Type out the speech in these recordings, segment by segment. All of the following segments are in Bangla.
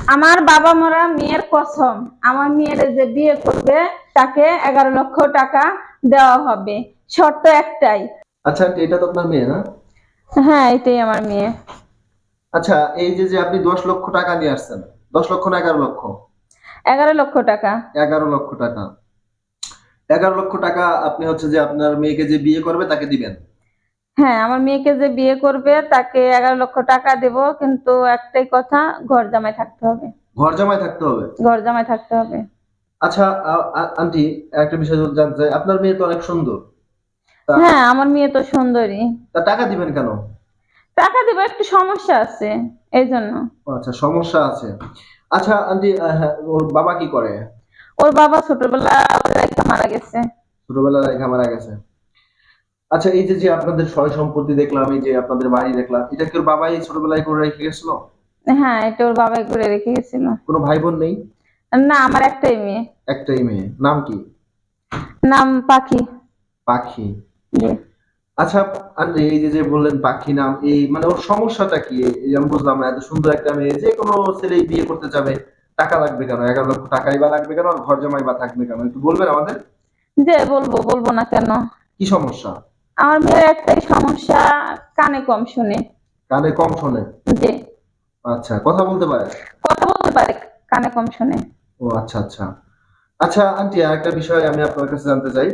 আমার বাবা মরা মেয়ের কসম, আমার মেয়ের যে বিয়ে করবে তাকে 11 লক্ষ টাকা দেওয়া হবে, শর্ত একটাই। আচ্ছা আন্টি, এটা তো আপনার মেয়ে না? হ্যাঁ, এটাই আমার মেয়ে। আচ্ছা, এই যে যে আপনি 10 লক্ষ টাকা নিয়ে আসছেন, 10 লক্ষ না 11 লক্ষ? 11 লক্ষ টাকা। 11 লক্ষ টাকা। 11 লক্ষ টাকা আপনি হচ্ছে যে আপনার মেয়েকে যে বিয়ে করবে তাকে দিবেন? হ্যাঁ, আমার মেয়েকে যে বিয়ে করবে তাকে 11 লক্ষ টাকা দেব, কিন্তু একটাই কথা, ঘর জামাই থাকতে হবে। ঘর জামাই থাকতে হবে? ঘর জামাই থাকতে হবে। আচ্ছা আন্টি, একটা বিষয় যদি জানতে চাই, আপনার মেয়ে তো অনেক সুন্দর, তা হ্যাঁ, আমার মেয়ে তো সুন্দরী। তা টাকা দিবেন কেন? টাকা দেবো, একটু সমস্যা আছে এই জন্য। ও আচ্ছা, সমস্যা আছে। আচ্ছা আন্টি, হ্যাঁ, ওর বাবা কি করে? ওর বাবা ছোটবেলা রেখে মারা গেছে। ছোটবেলায় রেখে মারা গেছে। আচ্ছা, এই যে যে আপনাদের সয় সম্পত্তি দেখলাম, এই যে আপনাদের বাড়ি দেখলাম, এটা কি ওর বাবাই ছোটবেলায় করে রেখে গেছিল? হ্যাঁ, এটা ওর বাবাই করে রেখে গেছিল। কোনো ভাই বোন নেই? না, আমার একটাই মেয়ে। একটাই মেয়ে, নাম কি? নাম পাখি। পাখি। জি। আচ্ছা আন্টি, এই যে যে বললেন পাখি নাম, এই মানে ওর সমস্যাটা কি? এই আমি বুঝলাম না, এত সুন্দর একটা মেয়ে যে কোনো ছেলে বিয়ে করতে যাবে, টাকা লাগবে কেন? 11 লক্ষ টাকাই বা লাগবে কেন? আর ঘর জামাই বা থাকবে কেন? একটু বলবেন আমাদের? যে বলবো, বলবো না কেন? কি সমস্যা? আমার মেয়ের একটাই সমস্যা, কানে কম শুনে। কানে কম শোনে? জি। আচ্ছা, কথা বলতে পারে? কথা বলতে পারে, কানে কম শুনে। ও আচ্ছা আচ্ছা। আচ্ছা আন্টি, আরেকটা বিষয় আমি আপনার কাছে জানতে চাই।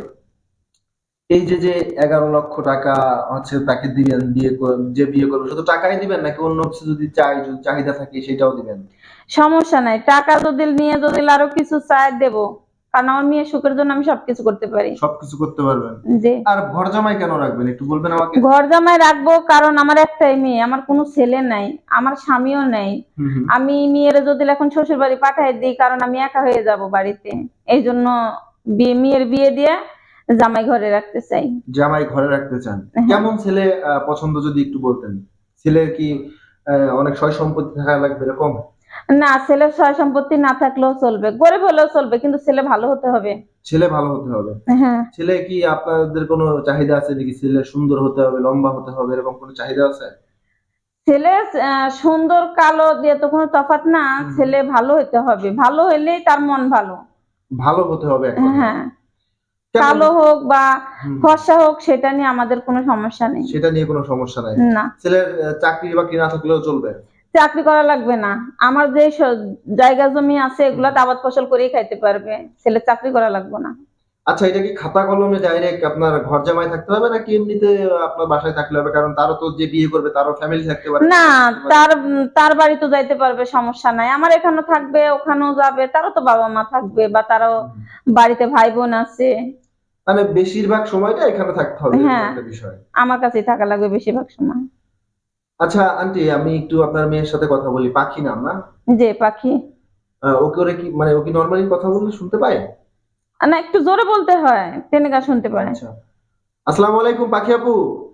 এই যে যে 11 লক্ষ টাকা হচ্ছে তাকে দিবেন, যে বিয়ে করবে শুধু টাকাই দিবেন নাকি অন্য কিছু যদি চাই, যদি চাহিদা থাকে সেটাও দিবেন? সমস্যা নাই, টাকা যদি নিয়ে যদি আরো কিছু চাই দেবো, কারণ আমার মেয়ের সুখের জন্য আমি সবকিছু করতে পারি। সবকিছু করতে পারবেন? জি। আর ঘর জামাই কেন রাখবেন একটু বলবেন আমাকে? ঘর জামাই রাখবো কারণ আমার একটাই মেয়ে, আমার কোনো ছেলে নাই, আমার স্বামীও নাই। হুম হুম। আমি মেয়ের যদি এখন শ্বশুর বাড়ি পাঠাই দিই, কারণ আমি একা হয়ে যাব বাড়িতে। এই জন্য মেয়ের বিয়ে দিয়ে জামাই ঘরে রাখতে চাই। জামাই ঘরে রাখতে চান? হ্যাঁ। কেমন ছেলে পছন্দ যদি একটু বলতেন? ছেলে কি অনেক সয় সম্পত্তি থাকা লাগবে এরকম? না, ছেলের সয় সম্পত্তি না থাকলেও চলবে, গরিব হলেও চলবে, কিন্তু ছেলে ভালো হতে হবে। ছেলে ভালো হতে হবে? হ্যাঁ। ছেলে কি আপনাদের কোনো চাহিদা আছে নাকি? ছেলে সুন্দর হতে হবে, লম্বা হতে হবে, এরকম কোনো চাহিদা আছে? ছেলে সুন্দর কালো দিয়ে তো কোনো তফাৎ না, হুম হুম। ছেলে ভালো হতে হবে, ভালো হইলেই তার মন ভালো। ভালো হতে হবে এক কথায়? হ্যাঁ, কেমন? কালো হোক বা হুম। ফর্সা হোক, সেটা নিয়ে আমাদের কোনো সমস্যা নেই। সেটা নিয়ে কোনো সমস্যা নাই? না, ছেলের চাকরি বাকরি না থাকলেও চলবে? চাকরি করা লাগবে না। আমার যে জায়গা জমি আছে হুম। এগুলাতে আবাদ ফসল করেই খাইতে পারবে, ছেলে চাকরি করা লাগবে না। আচ্ছা, এটা কি খাতা কলমে ডাইরেক্ট আপনার ঘর জামাই থাকতে হবে নাকি এমনিতে আপনার বাসায় থাকলে হবে? কারণ তারও তো, যে বিয়ে করবে তারও ফ্যামিলি থাকতে পারে, না, পরিবার থাকতে পারে। তার বাড়ি তো যাইতে পারবে, সমস্যা নাই। আমার এখানেও থাকবে, ওখানেও যাবে, তারও তো বাবা মা থাকবে, বা তারও হুম। বাড়িতে ভাই বোন আছে। মানে বেশিরভাগ সময়টা এখানে থাকতে হবে, এরকম হ্যাঁ, একটা বিষয়। আমার কাছেই থাকা লাগবে বেশিরভাগ সময়। আচ্ছা আন্টি, আমি একটু আপনার মেয়ের সাথে কথা বলি। পাখি নাম না? যে পাখি। ওকে, ওরে কি মানে ও কি নরমালি কথা বললে শুনতে পায়? না, একটু জোরে বলতে হয়, তেনেগা শুনতে পারে। আচ্ছা। আসসালামু আলাইকুম পাখি আপু।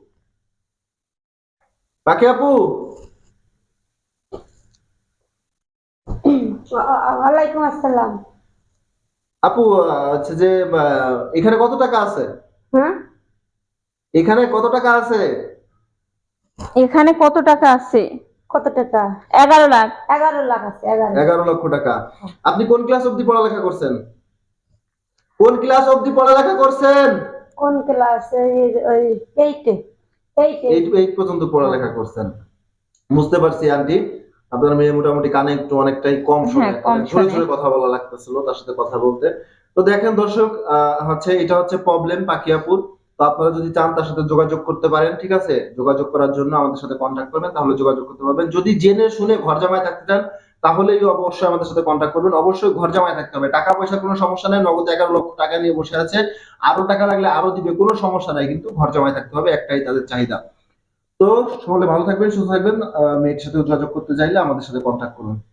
পাখি আপু। ওয়ালাইকুম আসসালাম। আপু, হচ্ছে যে এখানে কত টাকা আছে? হ্যাঁ, এখানে কত টাকা আছে? এখানে কত টাকা আছে? কত টাকা? 11 লাখ। 11 লাখ আছে, 11। 11 লক্ষ টাকা। আপনি কোন ক্লাস অবধি পড়ালেখা করছেন? কোন ক্লাস অবধি পড়ালেখা করছেন? কোন ক্লাসে? ওই এইটে। এইটে। এইট এইট পর্যন্ত পড়ালেখা করছেন? বুঝতে পারছি আন্টি। আপনার মেয়ে মোটামুটি কানে একটু অনেকটাই কম শোনে, হ্যাঁ, কম অনেক জোরে শোনে। জোরে কথা বলা লাগতেছিল তার সাথে কথা বলতে। তো দেখেন দর্শক, হচ্ছে এটা হচ্ছে প্রবলেম পাখি আপুর। তো আপনারা যদি চান তার সাথে যোগাযোগ করতে পারেন, ঠিক আছে? যোগাযোগ করার জন্য আমাদের সাথে কন্ট্যাক্ট করবেন, তাহলে যোগাযোগ করতে পারবেন। যদি জেনে শুনে ঘর জামাই থাকতে চান তাহলেই অবশ্যই আমাদের সাথে কন্ট্যাক্ট করবেন। অবশ্যই ঘর জামাই থাকতে হবে। টাকা পয়সার কোনো সমস্যা নেই, নগদ 11 লক্ষ টাকা নিয়ে বসে আছে, আরো টাকা লাগলে আরো দিবে, কোনো সমস্যা নাই, কিন্তু ঘর জামাই থাকতে হবে, একটাই তাদের চাহিদা। তো সকলে ভালো থাকবেন, সুস্থ থাকবেন। মেয়ের সাথে যোগাযোগ করতে চাইলে আমাদের সাথে কন্ট্যাক্ট করুন।